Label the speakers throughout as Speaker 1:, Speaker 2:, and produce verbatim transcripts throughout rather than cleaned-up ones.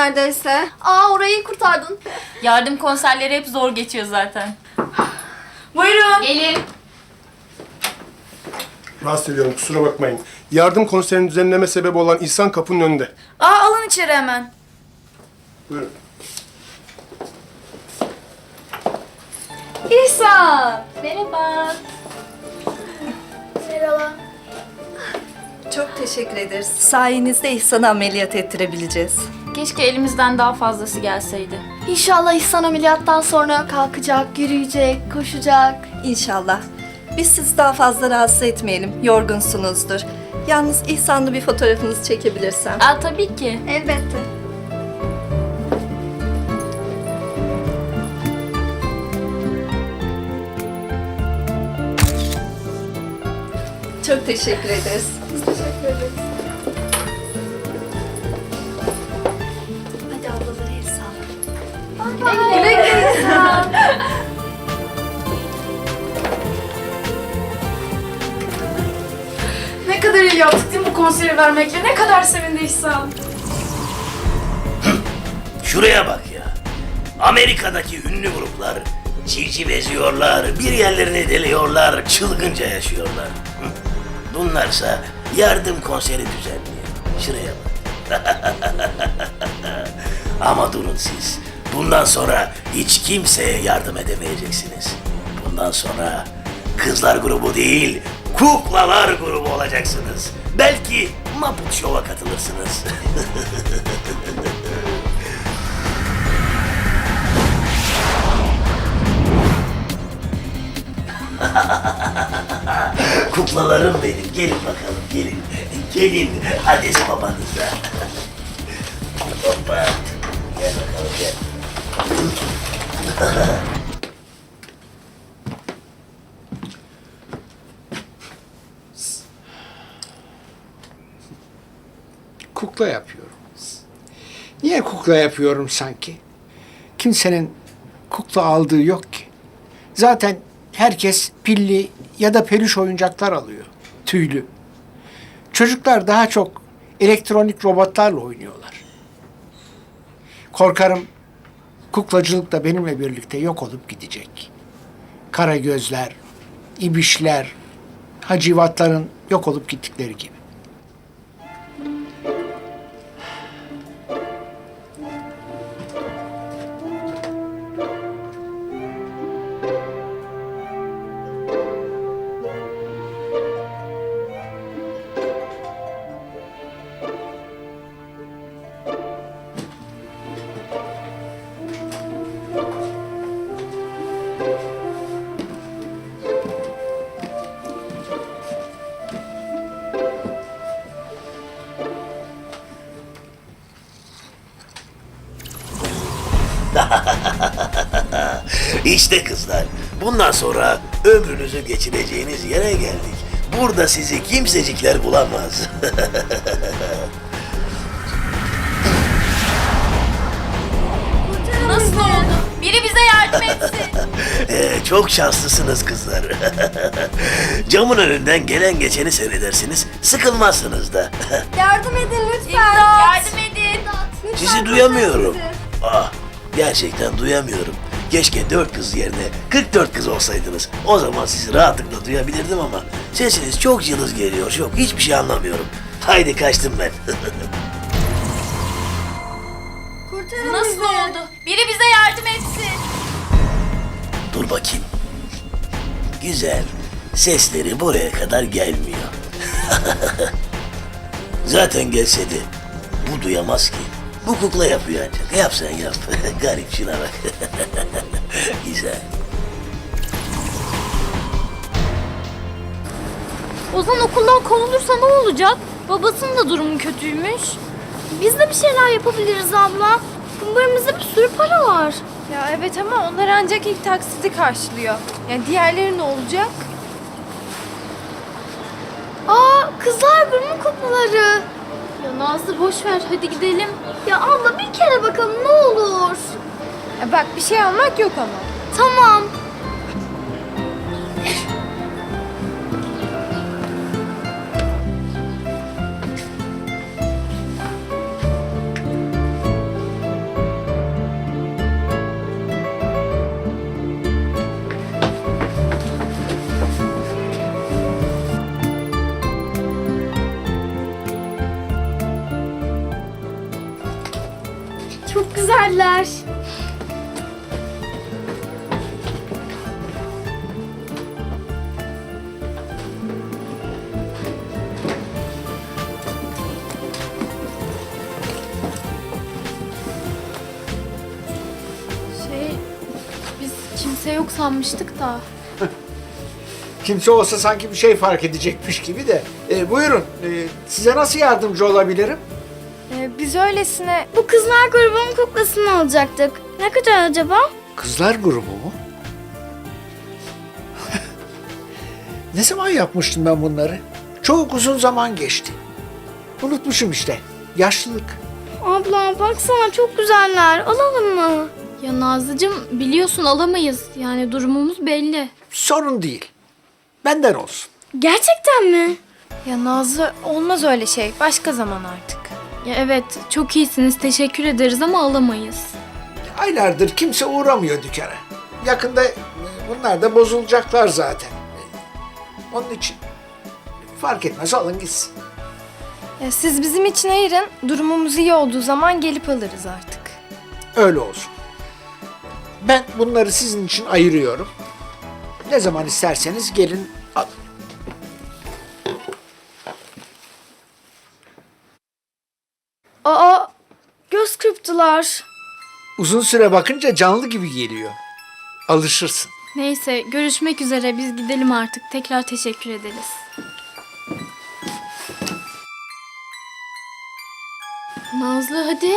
Speaker 1: neredeyse.
Speaker 2: Aa, orayı kurtardın.
Speaker 3: Yardım konserleri hep zor geçiyor zaten.
Speaker 1: Buyurun.
Speaker 3: Gelin.
Speaker 4: Rahatsız ediyorum, kusura bakmayın. Yardım konserinin düzenleme sebebi olan İhsan kapının önünde.
Speaker 1: Aa, alın içeri hemen.
Speaker 4: Buyurun.
Speaker 1: İhsan.
Speaker 3: Merhaba.
Speaker 2: Merhaba.
Speaker 5: Çok teşekkür ederiz. Sayenizde İhsan'ı ameliyat ettirebileceğiz.
Speaker 3: Keşke elimizden daha fazlası gelseydi.
Speaker 2: İnşallah İhsan ameliyattan sonra kalkacak, yürüyecek, koşacak.
Speaker 5: İnşallah. Biz sizi daha fazla rahatsız etmeyelim. Yorgunsunuzdur. Yalnız İhsan'la bir fotoğrafınızı çekebilirsem.
Speaker 3: Aa, tabii ki.
Speaker 2: Elbette.
Speaker 5: Çok teşekkür ederiz.
Speaker 2: Teşekkür ederiz.
Speaker 5: Hadi ablalara el sağlık.
Speaker 2: Güle güle İhsan.
Speaker 1: Ne kadar iyi yaptık değil mi bu konseri vermekle? Ne kadar sevindi İhsan.
Speaker 6: Şuraya bak ya. Amerika'daki ünlü gruplar civciv eziyorlar, bir yerlerini deliyorlar, çılgınca yaşıyorlar. Hı. Bunlarsa yardım konseri düzenliyor. Şuraya bak. Ama durun siz. Bundan sonra hiç kimseye yardım edemeyeceksiniz. Bundan sonra kızlar grubu değil, kuklalar grubu olacaksınız. Belki Muppet Show'a katılırsınız. Kuklalarım benim. Gelin bakalım, gelin. Gelin, adres babanıza. Hoppa. Gel bakalım, gel.
Speaker 7: Kukla yapıyorum. Niye kukla yapıyorum sanki? Kimsenin kukla aldığı yok ki. Zaten herkes pilli ya da peluş oyuncaklar alıyor. Tüylü. Çocuklar daha çok elektronik robotlarla oynuyorlar. Korkarım kuklacılık da benimle birlikte yok olup gidecek. Kara gözler, ibişler, hacivatların yok olup gittikleri gibi.
Speaker 6: İşte kızlar, bundan sonra ömrünüzü geçireceğiniz yere geldik. Burada sizi kimsecikler bulamaz.
Speaker 3: Nasıl oldu? Biri bize yardım etsin.
Speaker 6: Ee, çok şanslısınız kızlar. Camın önünden gelen geçeni seyredersiniz, sıkılmazsınız da.
Speaker 2: Yardım edin lütfen.
Speaker 3: Yardım edin.
Speaker 2: Lütfen
Speaker 6: Sizi duyamıyorum. Ah, gerçekten duyamıyorum. Keşke dört kız yerine kırk dört kız olsaydınız. O zaman sizi rahatlıkla duyabilirdim ama sesiniz çok cılız geliyor, çok. Hiçbir şey anlamıyorum. Haydi kaçtım ben.
Speaker 2: Kurtarın
Speaker 3: Nasıl
Speaker 2: bizi.
Speaker 3: oldu? Biri bize yardım etsin.
Speaker 6: Dur bakayım. Güzel. Sesleri buraya kadar gelmiyor. Zaten gelse de bu duyamaz ki. Bu kukla yapıyor ancak. Yap sen yap. Garip, şuna bak. Güzel.
Speaker 8: Ozan okuldan kovulursa ne olacak? Babasının da durumu kötüymüş. Biz de bir şeyler yapabiliriz abla. Kumbarımızda bir sürü para var.
Speaker 9: Ya evet ama onlar ancak ilk taksiti karşılıyor. Yani diğerleri ne olacak?
Speaker 8: Aa, kızlar burnu kuklaları. Ya Nazlı boş ver, hadi gidelim. Ya abla bir kere bakalım ne olur.
Speaker 9: Ya bak bir şey almak yok ama.
Speaker 8: Tamam. Teşekkürler.
Speaker 2: Şey, biz kimse yok sanmıştık da.
Speaker 7: Kimse olsa sanki bir şey fark edecekmiş gibi de. E, buyurun, e, size nasıl yardımcı olabilirim?
Speaker 9: Ee, biz öylesine...
Speaker 8: Bu kızlar grubunun kuklasını alacaktık. Ne kadar acaba?
Speaker 7: Kızlar grubu mu? Ne zaman yapmıştım ben bunları? Çok uzun zaman geçti. Unutmuşum işte. Yaşlılık.
Speaker 8: Abla baksana çok güzeller. Alalım mı?
Speaker 2: Ya Nazlıcığım biliyorsun alamayız. Yani durumumuz belli.
Speaker 7: Sorun değil. Benden olsun.
Speaker 8: Gerçekten mi?
Speaker 9: Ya Nazlı olmaz öyle şey. Başka zaman artık.
Speaker 2: Ya evet çok iyisiniz teşekkür ederiz ama alamayız.
Speaker 7: Aylardır kimse uğramıyor dükkana. Yakında e, bunlar da bozulacaklar zaten. E, Onun için fark etmez, alın gitsin.
Speaker 9: Ya siz bizim için ayırın. Durumumuz iyi olduğu zaman gelip alırız artık.
Speaker 7: Öyle olsun. Ben bunları sizin için ayırıyorum. Ne zaman isterseniz gelin alın.
Speaker 8: Aa, göz kırptılar.
Speaker 7: Uzun süre bakınca canlı gibi geliyor. Alışırsın.
Speaker 2: Neyse görüşmek üzere biz gidelim artık. Tekrar teşekkür ederiz. Nazlı hadi.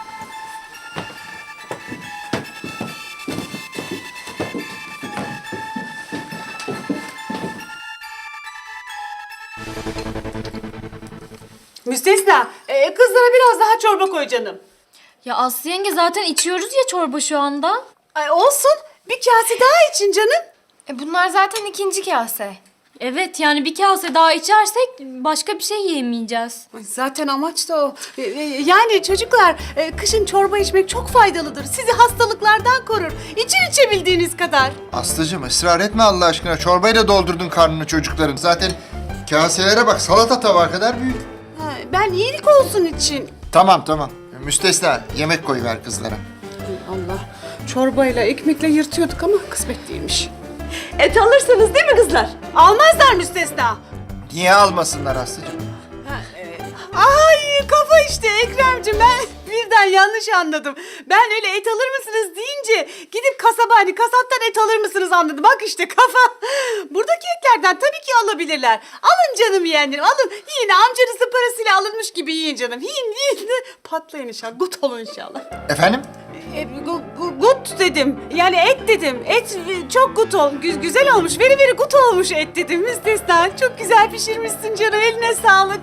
Speaker 10: Müstesna, e, kızlara biraz daha çorba koy canım.
Speaker 2: Ya Aslı yenge zaten içiyoruz ya çorba şu anda.
Speaker 10: Ay olsun, bir kase daha için canım.
Speaker 9: E bunlar zaten ikinci kase.
Speaker 2: Evet yani bir kase daha içersek başka bir şey yiyemeyeceğiz.
Speaker 10: Ay, zaten amaç da o. E, e, yani çocuklar, e, kışın çorba içmek çok faydalıdır. Sizi hastalıklardan korur. İçin içebildiğiniz kadar.
Speaker 11: Aslıcığım ısrar etme Allah aşkına. Çorbayla doldurdun karnını çocukların. Zaten kaselere bak, salata tabağı kadar büyük.
Speaker 10: Ha, ben iyilik olsun için.
Speaker 11: Tamam tamam. Müstesna, yemek koyuver kızlara.
Speaker 10: Ay Allah, çorbayla, ekmekle yırtıyorduk ama kısmet değilmiş. Et alırsınız değil mi kızlar? Almazlar müstesna.
Speaker 11: Niye almasınlar Aslıcığım?
Speaker 10: Ay kafa işte Ekremciğim, ben birden yanlış anladım. Ben öyle et alır mısınız deyince gidip kasaba hani kasaptan et alır mısınız anladım. Bak işte kafa. Buradaki etlerden tabii ki alabilirler. Alın canım yeğenlerim, alın. Yiyin, amcanızın parasıyla alınmış gibi yiyin canım. Yiyin yiyin. Patlayın inşallah, gut olun inşallah.
Speaker 11: Efendim?
Speaker 10: E, gu- gu- gut dedim. Yani et dedim. Et e, çok gut ol, gü- güzel olmuş. Veri veri gut olmuş et dedim. Müstesna, çok güzel pişirmişsin canım. Eline sağlık.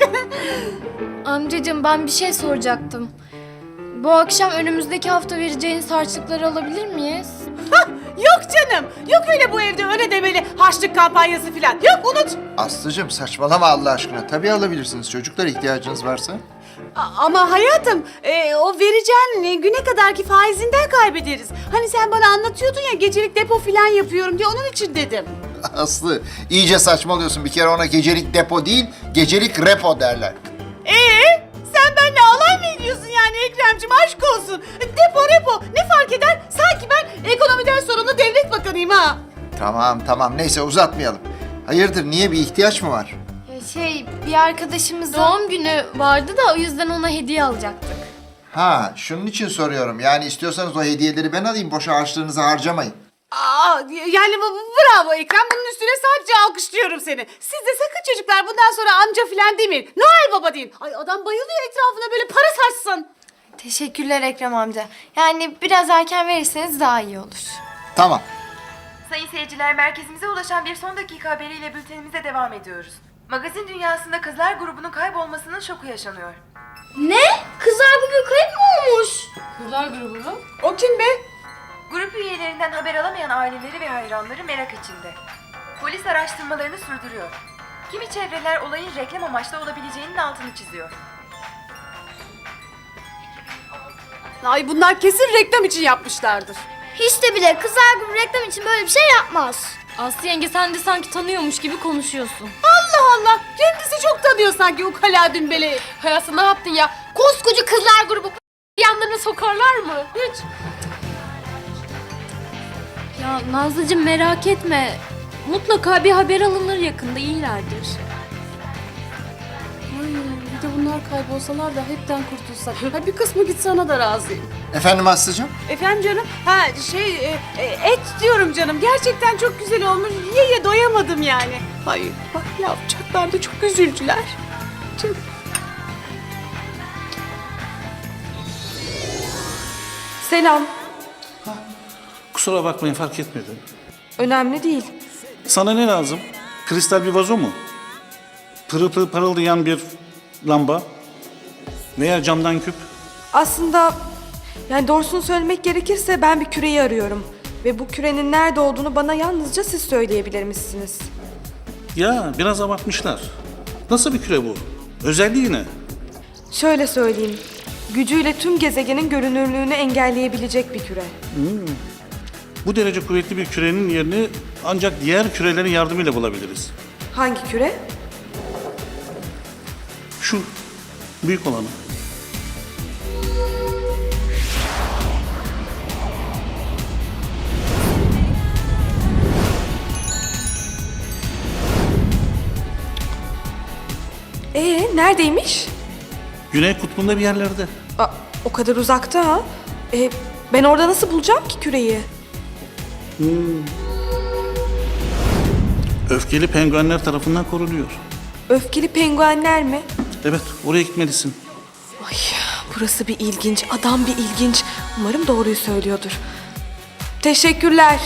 Speaker 2: Amcacığım ben bir şey soracaktım. Bu akşam önümüzdeki hafta vereceğiniz harçlıkları alabilir miyiz?
Speaker 10: Yok canım. Yok öyle bu evde öyle demeli harçlık kampanyası falan. Yok, unut.
Speaker 11: Aslıcığım saçmalama Allah aşkına. Tabii alabilirsiniz çocuklar, ihtiyacınız varsa.
Speaker 10: A- ama hayatım e, o vereceğin e, güne kadarki faizinden kaybederiz. Hani sen bana anlatıyordun ya gecelik depo falan yapıyorum diye, onun için dedim.
Speaker 11: Aslı iyice saçmalıyorsun. Bir kere ona gecelik depo değil, gecelik repo derler.
Speaker 10: Ee, sen benimle alay mı ediyorsun yani Ekremciğim, aşk olsun. Depo repo ne fark eder? Sanki ben ekonomiden sorumlu devlet bakanıyım ha.
Speaker 11: Tamam tamam, neyse uzatmayalım. Hayırdır, niye, bir ihtiyaç mı var?
Speaker 9: Ya şey bir arkadaşımızın...
Speaker 2: Doğum günü vardı da o yüzden ona hediye alacaktık.
Speaker 11: Ha, şunun için soruyorum. Yani istiyorsanız o hediyeleri ben alayım, boşa harçlığınızı harcamayın.
Speaker 10: Aa, yani bu- bu- bravo Ekrem, bunun üstüne sadece alkışlıyorum seni. Siz de sakın çocuklar bundan sonra amca falan demeyin. Noel Baba deyin. Ay adam bayılıyor etrafına böyle para saçsın.
Speaker 9: Teşekkürler Ekrem amca. Yani biraz erken verirseniz daha iyi olur.
Speaker 11: Tamam.
Speaker 12: Sayın seyirciler, merkezimize ulaşan bir son dakika haberiyle bültenimize devam ediyoruz. Magazin dünyasında kızlar grubunun kaybolmasının şoku yaşanıyor.
Speaker 8: Ne? Kızlar grubu kayıp mı olmuş?
Speaker 2: Kızlar grubu mu?
Speaker 10: O kim be?
Speaker 12: Grup üyelerinden haber alamayan aileleri ve hayranları merak içinde. Polis araştırmalarını sürdürüyor. Kimi çevreler olayın reklam amaçlı olabileceğinin altını çiziyor.
Speaker 10: Ay bunlar kesin reklam için yapmışlardır.
Speaker 8: Hiç de bile kızlar grubu reklam için böyle bir şey yapmaz.
Speaker 2: Aslı yenge sen de sanki tanıyormuş gibi konuşuyorsun.
Speaker 10: Allah Allah, kendisi çok tanıyor sanki ukala dümbeleyi.
Speaker 9: Hayatım ne yaptın ya? Koskoca kızlar grubu
Speaker 8: yanlarına sokarlar mı? Hiç.
Speaker 2: Ya Nazlıcığım merak etme. Mutlaka bir haber alınır yakında, iyilerdir.
Speaker 1: Ay, bir de bunlar kaybolsalar da hepten kurtulsak. Ha, bir kısmı gitse ona da razıyım.
Speaker 11: Efendim Aslı'cığım?
Speaker 10: Efendim canım? Ha şey e, e, et diyorum canım. Gerçekten çok güzel olmuş. Ye ye doyamadım yani. Ay bak ne yapacaklar da çok üzüldüler. Çok... Selam.
Speaker 13: Kusura bakmayın, fark etmedim.
Speaker 12: Önemli değil.
Speaker 13: Sana ne lazım? Kristal bir vazo mu? Pırıl pırıl parıldayan bir lamba? Veya camdan küp?
Speaker 12: Aslında yani doğrusunu söylemek gerekirse ben bir küreyi arıyorum. Ve bu kürenin nerede olduğunu bana yalnızca siz söyleyebilirmişsiniz.
Speaker 13: Ya biraz abartmışlar. Nasıl bir küre bu? Özelliği ne?
Speaker 12: Şöyle söyleyeyim. Gücüyle tüm gezegenin görünürlüğünü engelleyebilecek bir küre.
Speaker 13: Bu derece kuvvetli bir kürenin yerini ancak diğer kürelerin yardımıyla bulabiliriz.
Speaker 12: Hangi küre?
Speaker 13: Şu büyük olanı.
Speaker 12: Ee, neredeymiş?
Speaker 13: Güney kutbunda bir yerlerde.
Speaker 12: Aa, o kadar uzakta ha. Ee, ben orada nasıl bulacağım ki küreyi?
Speaker 13: Öfkeli penguenler tarafından korunuyor.
Speaker 12: Öfkeli penguenler mi?
Speaker 13: Evet, oraya gitmelisin.
Speaker 12: Ay, burası bir ilginç, adam bir ilginç. Umarım doğruyu söylüyordur. Teşekkürler.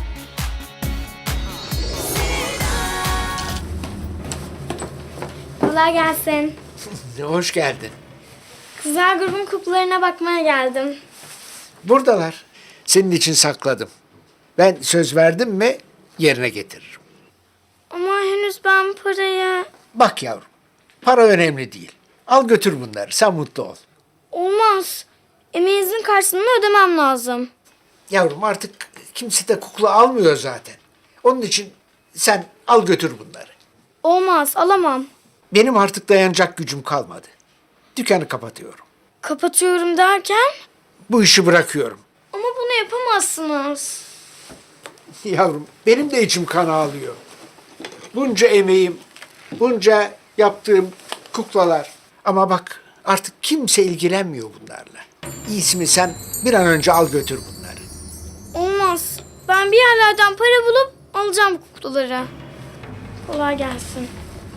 Speaker 8: Kolay gelsin.
Speaker 7: Hoş geldin.
Speaker 8: Kızlar grubun kuklalarına bakmaya geldim.
Speaker 7: Buradalar. Senin için sakladım. Ben söz verdim mi yerine getiririm.
Speaker 8: Ama henüz ben parayı...
Speaker 7: Bak yavrum, para önemli değil. Al götür bunları, sen mutlu ol.
Speaker 8: Olmaz. Emeğinizin karşılığını ödemem lazım.
Speaker 7: Yavrum artık kimse de kukla almıyor zaten. Onun için sen al götür bunları.
Speaker 8: Olmaz, alamam.
Speaker 7: Benim artık dayanacak gücüm kalmadı. Dükkanı kapatıyorum.
Speaker 8: Kapatıyorum derken?
Speaker 7: Bu işi bırakıyorum.
Speaker 8: Ama bunu yapamazsınız.
Speaker 7: Yavrum benim de içim kan ağlıyor. Bunca emeğim, bunca yaptığım kuklalar. Ama bak artık kimse ilgilenmiyor bunlarla. İyisi mi sen bir an önce al götür bunları.
Speaker 8: Olmaz. Ben bir yerlerden para bulup alacağım kuklaları. Kolay gelsin.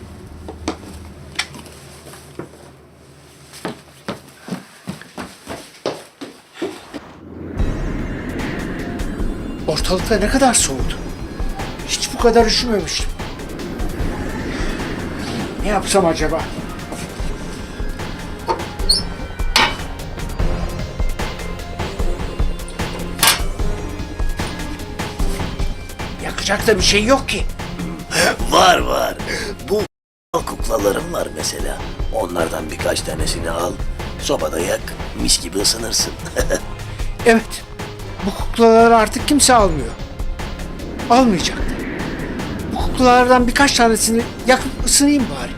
Speaker 7: Ortalıkta ne kadar soğudu. Hiç bu kadar üşümemiştim. Ne yapsam acaba? Yakacak da bir şey yok ki.
Speaker 6: Var var. Bu kuklalarım var mesela. Onlardan birkaç tanesini al. Sobada yak. Mis gibi ısınırsın.
Speaker 7: Evet. Bu kuklaları artık kimse almıyor. Almayacak da. Bu kuklalardan birkaç tanesini yakıp ısınayım bari.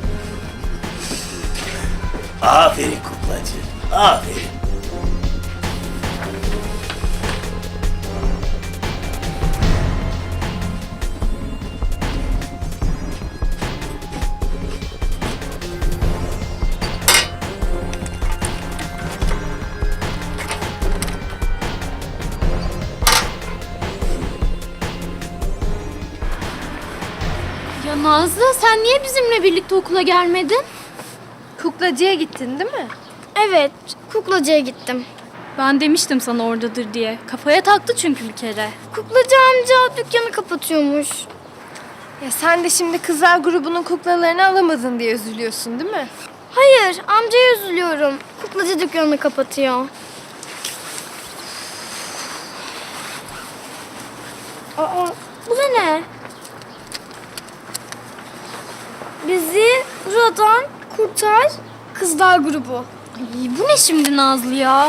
Speaker 6: Aferin kuklacı. Aferin.
Speaker 2: Ya Nazlı, sen niye bizimle birlikte okula gelmedin?
Speaker 9: Kuklacıya gittin değil mi?
Speaker 8: Evet, kuklacıya gittim.
Speaker 2: Ben demiştim sana oradadır diye. Kafaya taktı çünkü bir kere.
Speaker 8: Kuklacı amca dükkanı kapatıyormuş.
Speaker 9: Ya sen de şimdi kızlar grubunun kuklalarını alamadın diye üzülüyorsun değil mi?
Speaker 8: Hayır, amcaya üzülüyorum. Kuklacı dükkanını kapatıyor. Aa, bu da ne? Bizi buradan kurtar kızlar grubu.
Speaker 2: Ay, bu ne şimdi Nazlı ya?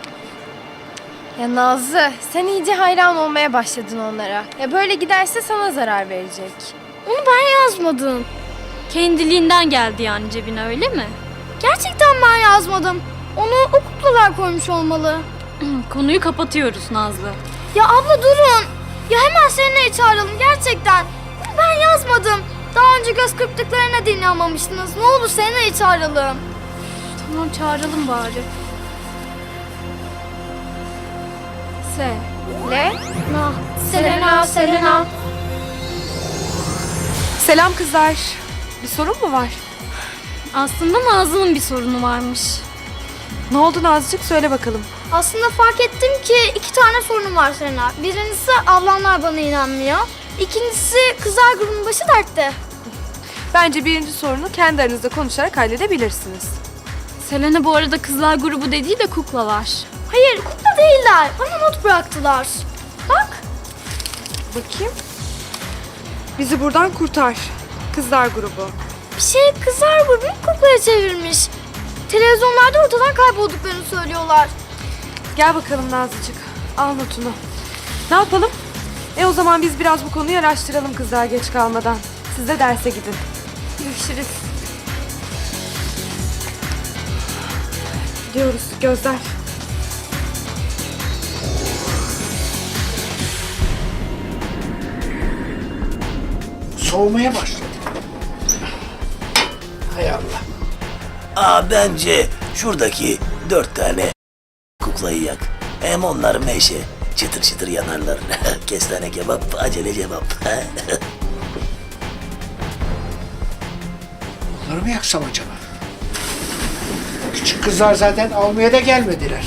Speaker 9: Ya Nazlı, sen iyice hayran olmaya başladın onlara. Ya böyle giderse sana zarar verecek.
Speaker 8: Onu ben yazmadım.
Speaker 2: Kendiliğinden geldi yani cebine, öyle mi?
Speaker 8: Gerçekten ben yazmadım. Onu o kuklalar koymuş olmalı.
Speaker 3: Konuyu kapatıyoruz Nazlı.
Speaker 8: Ya abla durun. Ya hemen Selena'yı çağıralım gerçekten. Bunu ben yazmadım. Daha önce göz kırptıklarına da inanmamıştınız. Ne olur Selena'yı çağıralım.
Speaker 2: Tamam çağıralım bari. Se.
Speaker 9: Le?
Speaker 8: Na.
Speaker 2: Selena, Selena.
Speaker 12: Selam kızlar. Bir sorun mu var?
Speaker 2: Aslında Nazlı'nın bir sorunu varmış.
Speaker 12: Ne oldu Nazcık? Söyle bakalım.
Speaker 8: Aslında fark ettim ki iki tane sorunum var Selena. Birincisi ablamlar bana inanmıyor. İkincisi kızlar grubunun başı dertte.
Speaker 12: Bence birinci sorunu kendi aranızda konuşarak halledebilirsiniz.
Speaker 2: Selena bu arada kızlar grubu dediği de kuklalar.
Speaker 8: Hayır kukla değiller. Bana not bıraktılar. Bak.
Speaker 12: Bakayım. Bizi buradan kurtar. Kızlar grubu.
Speaker 8: Bir şey kızlar grubunu kuklaya çevirmiş. Televizyonlarda ortadan kaybolduklarını söylüyorlar.
Speaker 12: Gel bakalım Nazlıcık. Al notunu. Ne yapalım? E o zaman biz biraz bu konuyu araştıralım kızlar geç kalmadan. Siz de derse gidin.
Speaker 2: Görüşürüz.
Speaker 12: Gidiyoruz Gözler.
Speaker 7: Soğumaya başladı. Hay Allah.
Speaker 6: Aa bence şuradaki dört tane kuklayı yak. Hem onlar meşe. Çıtır çıtır yanarlar. Kestane kebap, acele cevap.
Speaker 7: Onları mı yaksam acaba? Küçük kızlar zaten almaya da gelmediler.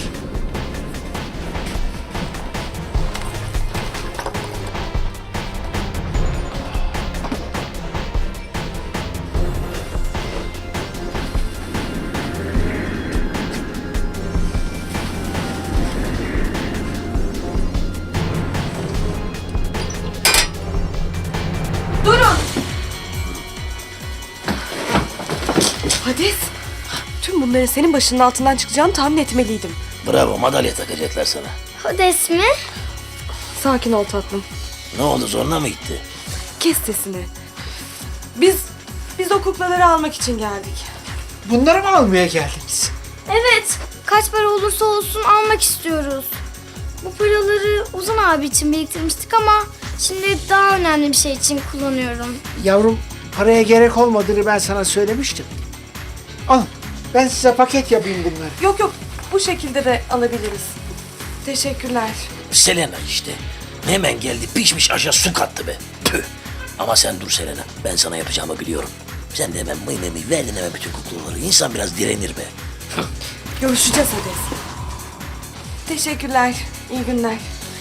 Speaker 12: Hades. Tüm bunların senin başının altından çıkacağını tahmin etmeliydim.
Speaker 6: Bravo, madalya takacaklar sana.
Speaker 8: Hades mi?
Speaker 12: Sakin ol tatlım.
Speaker 6: Ne oldu, zoruna mı gitti?
Speaker 12: Kes sesini. Biz, biz o kuklaları almak için geldik.
Speaker 7: Bunları mı almaya geldiniz?
Speaker 8: Evet. Kaç para olursa olsun almak istiyoruz. Bu paraları Ozan abi için biriktirmiştik ama şimdi daha önemli bir şey için kullanıyorum.
Speaker 7: Yavrum, paraya gerek olmadığını ben sana söylemiştim. Al, ben size paket yapayım bunları.
Speaker 12: Yok yok, bu şekilde de alabiliriz. Teşekkürler.
Speaker 6: Selena işte. Hemen geldi, pişmiş aşağı su kattı be. Tüh. Ama sen dur Selena, ben sana yapacağımı biliyorum. Sen de hemen mıy mıy mıy verdin hemen bütün kuklaları. İnsan biraz direnir be.
Speaker 12: Görüşeceğiz Hades. Teşekkürler, iyi günler.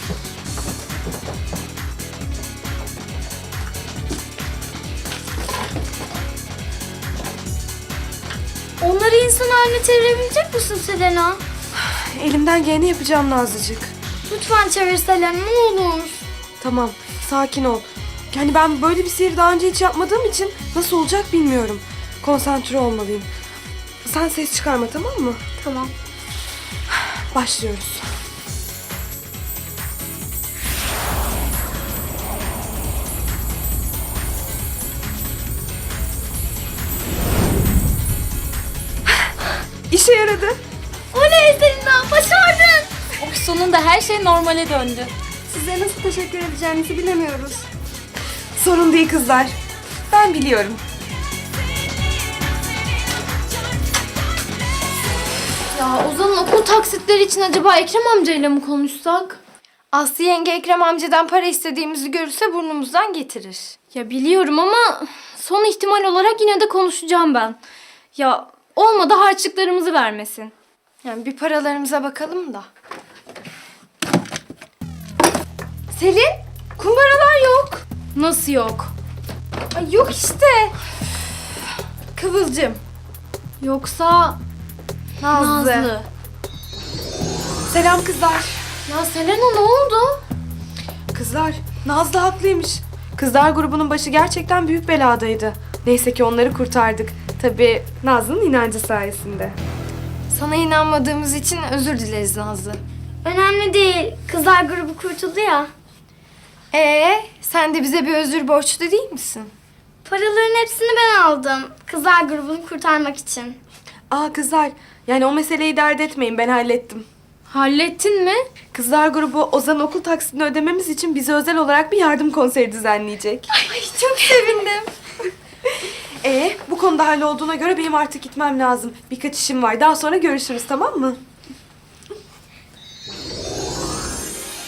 Speaker 8: Onları insan haline çevirebilecek misin Selena?
Speaker 12: Elimden geleni yapacağım Nazlıcık.
Speaker 8: Lütfen çevir Selena ne olur.
Speaker 12: Tamam, sakin ol. Yani ben böyle bir sihir daha önce hiç yapmadığım için nasıl olacak bilmiyorum. Konsantre olmalıyım. Sen ses çıkarma, tamam mı?
Speaker 8: Tamam.
Speaker 12: Başlıyoruz. İşe yaradı.
Speaker 8: Oley Selena başardın.
Speaker 3: Sonunda her şey normale döndü.
Speaker 8: Size nasıl teşekkür edeceğimizi bilemiyoruz.
Speaker 12: Sorun değil kızlar. Ben biliyorum.
Speaker 2: Ya Ozan'ın okul taksitleri için acaba Ekrem amcayla mı konuşsak?
Speaker 9: Aslı yenge Ekrem amcadan para istediğimizi görürse burnumuzdan getirir.
Speaker 2: Ya biliyorum ama son ihtimal olarak yine de konuşacağım ben. Ya olmadı harçlıklarımızı vermesin.
Speaker 9: Yani bir paralarımıza bakalım da. Selin, kumbaralar yok.
Speaker 2: Nasıl yok?
Speaker 9: Ay yok işte. Kıvılcım.
Speaker 2: Yoksa
Speaker 9: Nazlı.
Speaker 2: Nazlı.
Speaker 12: Selam kızlar.
Speaker 2: Ya Selena ne oldu?
Speaker 12: Kızlar, Nazlı haklıymış. Kızlar grubunun başı gerçekten büyük beladaydı. Neyse ki onları kurtardık. Tabii Nazlı'nın inancı sayesinde.
Speaker 9: Sana inanmadığımız için özür dileriz Nazlı.
Speaker 8: Önemli değil. Kızlar grubu kurtuldu ya.
Speaker 9: Ee, sen de bize bir özür borçlu değil misin?
Speaker 8: Paraların hepsini ben aldım. Kızlar grubunu kurtarmak için.
Speaker 14: Aa kızlar, yani o meseleyi dert etmeyin, ben hallettim.
Speaker 2: Hallettin mi?
Speaker 14: Kızlar grubu Ozan'ın okul taksitini ödememiz için bize özel olarak bir yardım konseri düzenleyecek.
Speaker 2: Ay çok sevindim.
Speaker 14: Ee, bu konuda hallolduğuna göre benim artık gitmem lazım. Birkaç işim var. Daha sonra görüşürüz, tamam mı?